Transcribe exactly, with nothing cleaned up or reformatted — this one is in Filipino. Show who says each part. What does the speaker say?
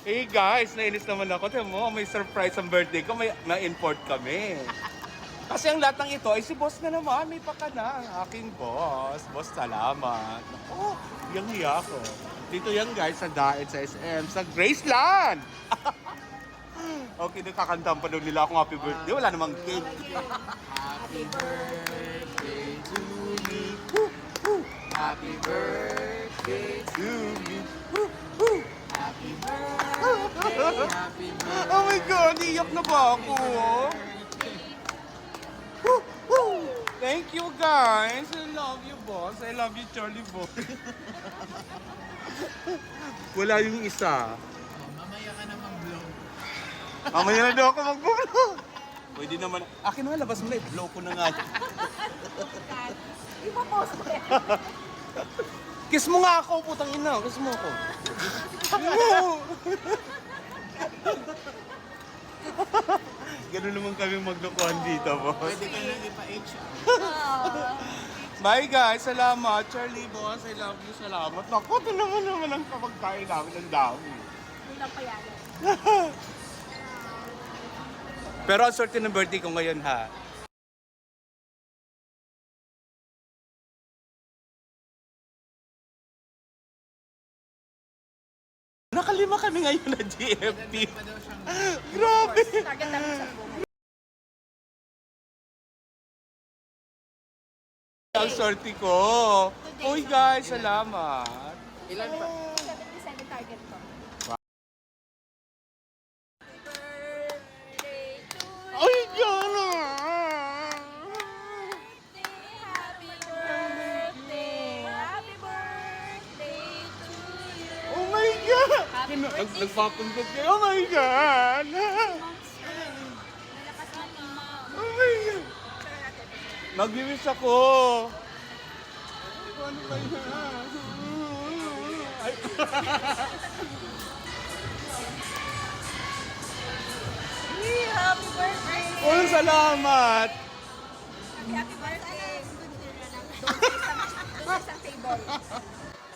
Speaker 1: Hey guys, nainis naman ako. Tiyan mo, may surprise ang birthday ko. May na-import kami. Kasi ang lahat ng ito ay si boss na naman. May paka na ang aking boss. Boss, salamat. Oh, yung hiya ko. Dito yan guys, sa Daet sa S M, sa Graceland. Okay, nagkakantahan pa daw nila akong happy birthday. Wala namang cake.
Speaker 2: Happy birthday to me. Woo, woo. Happy birthday to
Speaker 1: To me. Woo, woo.
Speaker 2: Happy birthday. Happy birthday.
Speaker 1: Oh my God, iyak na ba ako? Woo, woo. Thank you guys. I love you boss. I love you Charlie boy. Wala yung isa.
Speaker 2: Oh, mamaya ka na mag-blow.
Speaker 1: Mamaya na daw ako mag-blow. Pwede naman. Akin na, labas mo na. I-blow ko na nga.
Speaker 3: Ipapost ko yan.
Speaker 1: Kiss mo nga ako, putang ina. Kiss mo ako. Ganun naman kami maglokohan dito, boss.
Speaker 2: Pwede ka na ipa-H.
Speaker 1: Bye guys, salamat. Charlie, boss, I love you. Salamat. Naku, ito naman naman ang kapagkain namin. Ang dami.
Speaker 3: Hindi lang payagan.
Speaker 1: Pero ang swerte ng birthday ko ngayon, ha? Nakalima kami ngayon na G F P.
Speaker 2: Pa daw siyang
Speaker 1: Grabe!
Speaker 3: Target namin sa buhay.
Speaker 1: Ang swerte ko. Uy guys, salamat.
Speaker 2: ilan pa?
Speaker 3: seventy-seven target ko.
Speaker 1: Ay, gano'n!
Speaker 3: Happy birthday! Happy birthday to you!
Speaker 1: Oh my God!
Speaker 3: Happy
Speaker 1: Nag-
Speaker 3: birthday.
Speaker 1: Nagpapuntot kayo. Oh my God!
Speaker 3: Malakas ka ni Mom.
Speaker 1: Oh my God! Mag-wish ako. Ano ba yan? Ay.
Speaker 3: Happy birthday!
Speaker 1: Oh, salamat!
Speaker 3: Happy, happy birthday! Doon sa table.